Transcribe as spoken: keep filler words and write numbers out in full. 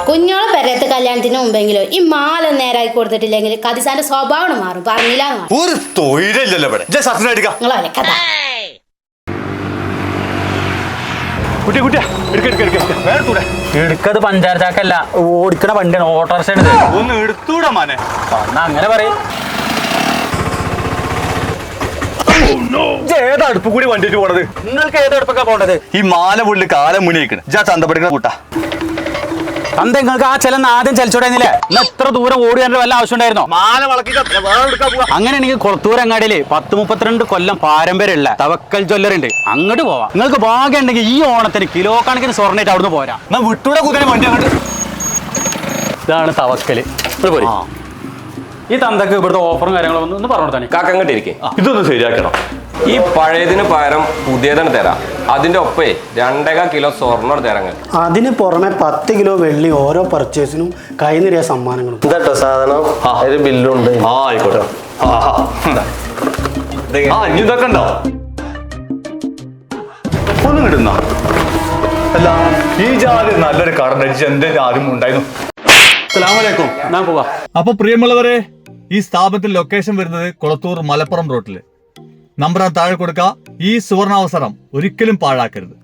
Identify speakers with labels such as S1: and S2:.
S1: കുഞ്ഞോളെ പെരയത്തെ കല്യാണത്തിന് മുമ്പെങ്കിലും ഈ മാല നേരായി കൊടുത്തിട്ടില്ലെങ്കിൽ കതിസാന്റെ സ്വഭാവം മാറും. പറഞ്ഞില്ല
S2: ഒരു തൊഴിലല്ലോ ഇവിടെ.
S1: നിങ്ങൾ കഥ
S3: എടുക്കത് പഞ്ചാര ചാക്കല്ല, ഓടിക്കണ വണ്ടിയാണ്, ഓട്ടോറിക്ഷ.
S2: ഒന്ന് എടുത്തൂടാ മാനെ.
S3: അങ്ങനെ പറയും.
S2: ഏത് അടുപ്പ് കൂടി വണ്ടിട്ട് പോണത്?
S3: നിങ്ങൾക്ക് ഏത് അടുപ്പൊക്കെ പോണ്ടത്?
S2: ഈ മാല പുള്ളി കാലം മുന്നിക്കണ്. ജാ ചന്ത പഠിക്കുന്ന കൂട്ടാ.
S3: അന്ത നിങ്ങൾക്ക് ആ ചെലന്ന് ആദ്യം ചലിച്ചോടായിരുന്നില്ലേ? ഇന്ന് എത്ര ദൂരം ഓടിയാണ്ട് വല്ല ആവശ്യം ഉണ്ടായിരുന്നോ?
S2: മാല വളക്കി
S3: അങ്ങനെയാണെങ്കിൽ കൊളത്തൂർ അങ്ങാടിയില് പത്ത് മുപ്പത്തിരണ്ട് കൊല്ലം പാരമ്പര്യമുള്ള തവക്കൽ ജ്വല്ലറുണ്ട്, അങ്ങോട്ട് പോവാം. നിങ്ങൾക്ക് ഭാഗ്യം ഉണ്ടെങ്കിൽ ഈ ഓണത്തിന് കിലോ കണക്കിന് സ്വർണ്ണായിട്ട് അവിടുന്ന് പോരാ.
S2: വിട്ടൂടെ കുതിര വണ്ടി അങ്ങോട്ട്.
S3: ഇതാണ് തവക്കല്. ഈ തന്തക്ക് ഇവിടുത്തെ ഓഫറും കാര്യങ്ങളും ഒന്ന് പറഞ്ഞു തന്നെ.
S4: കാക്കങ്ങോട്ട് ഇരിക്കേ,
S2: ഇതൊന്ന് ശരിയാക്കണം.
S4: ഈ പഴയതിന് പകരം പുതിയതാണ് തരാം. അതിന്റെ ഒപ്പേ രണ്ടേകാൽ കിലോ സ്വർണ്ണം തരാങ്ങൾ.
S5: അതിന് പുറമെ പത്ത് കിലോ വെള്ളി ഓരോ പർച്ചേസിനും കൈനിറിയ സമ്മാനങ്ങളും.
S4: ഇതട്ടോ സാധനം, ഒരു ബില്ലുണ്ട്.
S2: ആ ആയിക്കോട്ടെ. ആ ഇനി ഇതൊക്കെ ഉണ്ടോ? ഒന്നും കിട്ടുന്ന അല്ല ഈ ജാതി നല്ലൊരു കടന്നടിച്ച് എന്റെ ആദ്യം ഉണ്ടായിരുന്നു.
S3: അസ്സലാമലൈക്കും. ഞാൻ പോവാ.
S6: അപ്പൊ പ്രിയമുള്ളവരെ, ഈ സ്ഥാപനത്തിൽ ലൊക്കേഷൻ വരുന്നത് കൊളത്തൂർ മലപ്പുറം റോട്ടില്. നമ്പർ താഴെ കൊടുക്കുക. ഈ സുവർണാവസരം ഒരിക്കലും പാഴാക്കരുത്.